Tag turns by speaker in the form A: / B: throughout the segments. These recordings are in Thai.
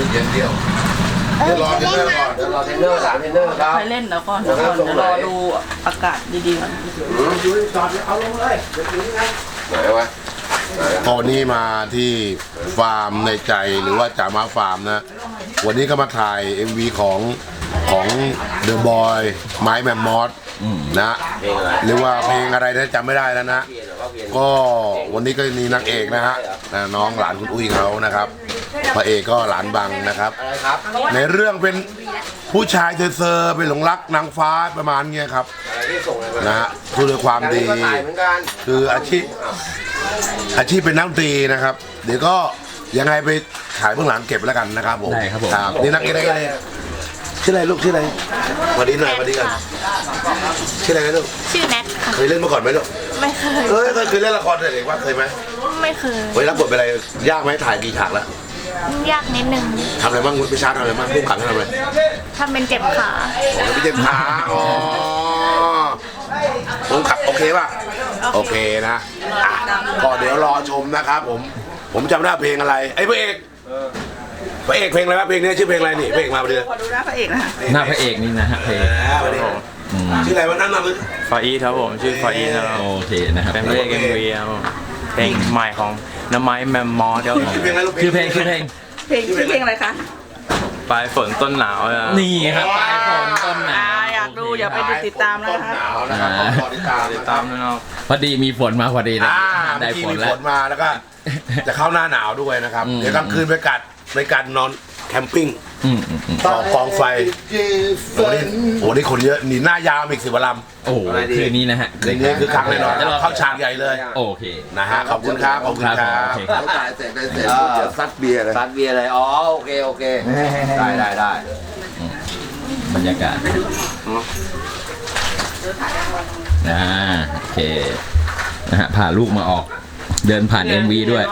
A: อย่างเดียวเดี๋ยวรอเทรนเนอร์ก่อนเดี๋ยวรอเทรนเนอร์ถามเทรนเนอร์ครับ
B: ไปเล่นแล้วก่อนเดี๋ยวรอดูอากาศดีๆก่อน
A: อยู่จอดเอาลงเลยเดี๋ยวถึงนะไหนวะตอนนี้มาที่ฟาร์มในใจหรือว่าจ่ามาฟาร์มนะวันนี้ก็มาถ่าย MV ของเดอะบอยไม้แมมมอสนะหรือว่าเพลงอะไรนะจำไม่ได้แล้วนะก็วันนี้ก็มีนางเอกนะฮะน้องหลานคุณอุ้ยเขานะครับพระเอกก็หลานบังนะครับในเรื่องเป็นผู้ชายเซอร์ไปหลงรักนางฟ้าประมาณเงี้ยครับนะฮะคือด้วยความดีคืออาชีพเป็นนักดนตรีนะครับเดี๋ยวก็ยังไงไปขายเบื้องหลังเก็บแล้วกันนะครับผม
C: ได้ครับผม
A: นี่นักเอกได้เลยชื่ออะไรลูกชื่ออะไรสวัสดีหน่อยสวัสดีกันชื่ออะไรลูก
D: ชื่อแน็กค่ะ
A: เคยเล่นมาก่อนไหมลูก
D: ไม่เคย
A: เคยเล่นละครเด็กว่าเคยไหม
D: ไม่เคย
A: รับบทเป็นอะไรยากไหมถ่ายกี่ฉากแล้ว
D: ยากนิดนึง
A: ทำอะไรบ้างพี่ชาทำอะไรบ้างผู้ขันทำอะไร
D: ทำเป็นเจ็บขา
A: เป็นเจ็บขาผมขับโอเคป่ะโอเคนะก็เดี๋ยวรอชมนะครับผมจำได้เพลงอะไรไอ้พระเอกเพลงอะไรวะเพลงนี้ชื่อเพลงอะไรนี่เพลงมาพอดี
B: ขอดูหน้าพระเอกนะ
C: หน้าพระเอกนี่นะฮะเพลง
A: ชื่ออะไรวะนั่นน่ะ
E: ฟาอีครับผมชื่อฟาอีครับ
C: โอเคนะครับ
E: เป็นเพลงMVครับเพลงใหม่ของน้ำไม้แมมมอสครับผม
C: ชื่อเพลง
B: อะไรคะ
E: ปลายฝนต้นหนาว
C: นี่ครับปลายฝนต้นหนาว
B: อยากดูอย่าไปติดตามนะครับ
A: ติดตาม
E: นะครับ
C: พอดีมีฝนมาพอดีนะได้ฝน
A: แล้วก็จะเข้าหน้าหนาวด้วยนะครับเดี๋ยวกลางคืนไปกัดนอนแคมปิ้งต่อกองไฟโอ้นี่คนเยอะหนีหน้ายาวอีก10 วันลำ
C: โอ้คืนนี้นะฮะ
A: คืนนี้คือครั้งแน่นอนเข้าฉากใหญ่เลย
C: โอเค
A: นะฮะขอบคุณครับถ่ายเสร็จจะซัดเบียร์เลยอ๋อโอเคได้
C: บรรยากาศโอเคนะฮะพาลูกมาออกเดินผ่าน MV ด้วย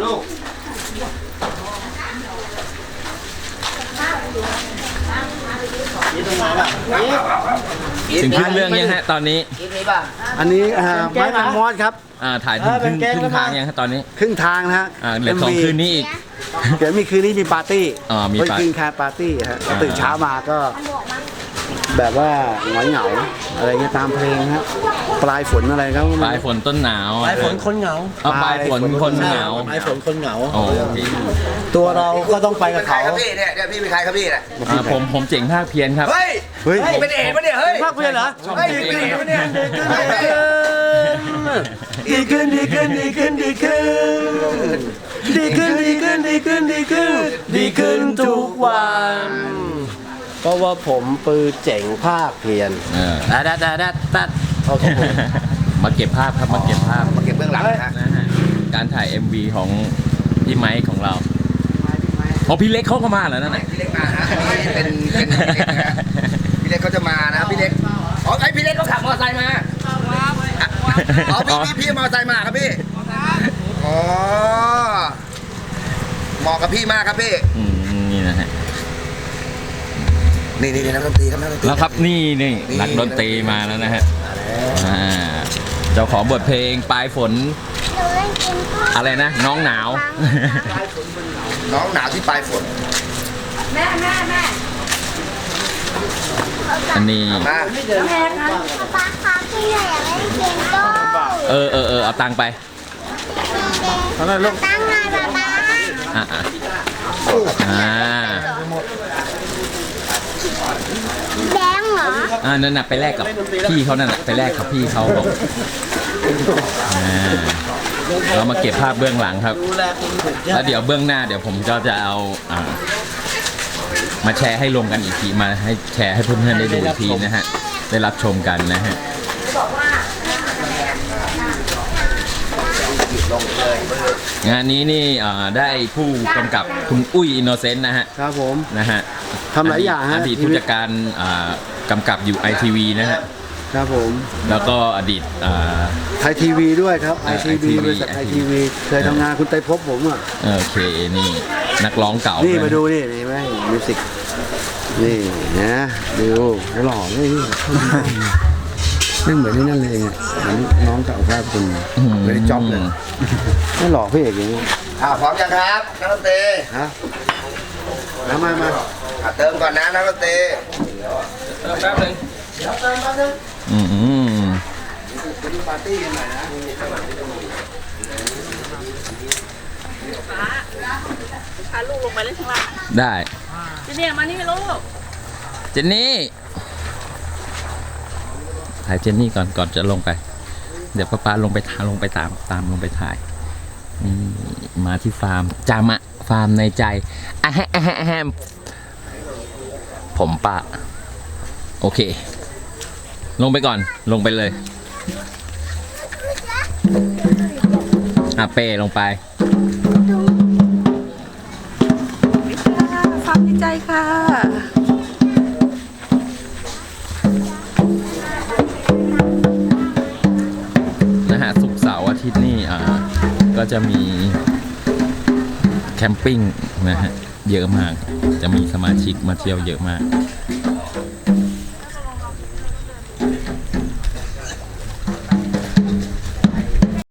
C: ถึงครึ่งเรื่องยังฮะตอนนี้
F: อันนี้ไม้แมมมอสครับ
C: ถ่ายถึงครึ่งทางยังฮะตอนนี้
F: ครึ่งทางนะฮะ
C: เหลือ2 คืนนี้อีก
F: เดี๋ยวมีคืนนี้มีปาร์ตี้
C: มี
F: คืนแคร์ปาร์ตี้ฮะตื่นเช้ามาก็แบบว่าเหงาอะไรเงี้ยตามเพลงครับปลายฝนอะไรครับ
C: ปลายฝนต้นหนาว
F: ปลายฝนคนเหงา
C: ปลายฝนคนเหงา
F: ปลายฝนคนเหงาตัวเราก็ต้องไปกับเขา
A: พี่เนี่ยพี่เป็นใครครับพี่เนี่ย
C: ผมเจ๋งภาคเพียรครับ
A: เฮ้ยเป็นเอกปะเนี่ยเฮ้ย
F: ภาคเพียรเหรอ
A: ดี
F: ขึ้นทุกวันเพราะว่าผมปือเจ๋งภาคเพียร
C: ตัดโอเคมาเก็บภาพครับมาเก็บ
A: เบื้องหลัง
C: นะฮะการถ่าย MV ของพี่ไมค์ของเราพี่เล็กเขาก็มาแล้วนั่นแหละ
A: พี่เล็กมานะเป็นพี่เล็กเขาจะมานะพี่เล็กพี่เล็กเขาขับมอเตอร์ไซค์มาพี่มอเตอร์ไซค์มาครับพี่เหมาะกับพี่มากครับพี่
C: นี่นะฮะ
A: นี่นักดนตรีครับ
C: แล้วครับนี่นักดนตรีมาแล้วนะฮะเจ้าของบทเพลงปลายฝนอะไรนะน้องหนาว
A: น้องหนาวที่ปลายฝน
D: แม่
C: อันนี้
D: ป้าคะพี่อยากเล่นเกมโต้
C: เอาตังไป
D: ตั้งไงป้าแบงเหรอ
C: นั่นน่ะไปแลกกับพี่เขานั่นแหละไปแลกกับพี่เขาบอกเรามาเก็บภาพเบื้องหลังครับแล้วเดี๋ยวเบื้องหน้าเดี๋ยวผมก็จะเอามาแชร์ให้รวมกันอีกทีมาให้แชร์ให้เพื่อนๆได้ดูอีกทีนะฮะได้รับชมกันนะฮะงานนี้นี่ได้ผู้กำกับคุณอุ้ยอินโนเซนต์นะฮะ
F: ครับผม
C: นะฮะ
F: ทำหลายอย่างฮะ
C: อดีตผู้จัดการกำกับอยู่ ITV นะฮะ
F: ครับผม
C: แล้วก็อดีต
F: ไทยทีวีด้วยครับ ITV บริษัท ITV เคยทำงานคุณไตรภพผม
C: โอเคนี่นักร้องเก่า
F: นี่มาดูนี่ไหมมิวสิกนี่นะดูหล่อเลยนี่เหมือนนี่นั่นเลยเหมือนน้องเก่าภาพคุณไม่ได้จ็อบเลยไม่หล่อพี่เอกอย่างนี้
A: พร้อมยังครับนักดนตรี
F: มาเติมก่อนนะนักดนตรี
C: เติมแป๊บนึง
F: ปาร์ตี้กันหน่อยนะ
B: พาลูกลงไปเล่นข้างล่าง
C: ได้
B: ทีนี้มานี่ลูก
C: เจนนี่ถ่ายเจนนี่ก่อนจะลงไป เดี๋ยวป้าลงไปตามลงไปถ่ายนี่มาที่ฟาร์มจามะฟาร์มในใจอะแฮมผมปะโอเค ลงไปก่อนลงไปเลยเป้ลงไป
B: ฟาร์มในใจค่ะ
C: นะฮะศุกร์เสาร์อาทิตย์นี่ก็จะมีแคมปิ้งนะฮะเยอะมากจะมีสมาชิกมาเที่ยวเยอะมาก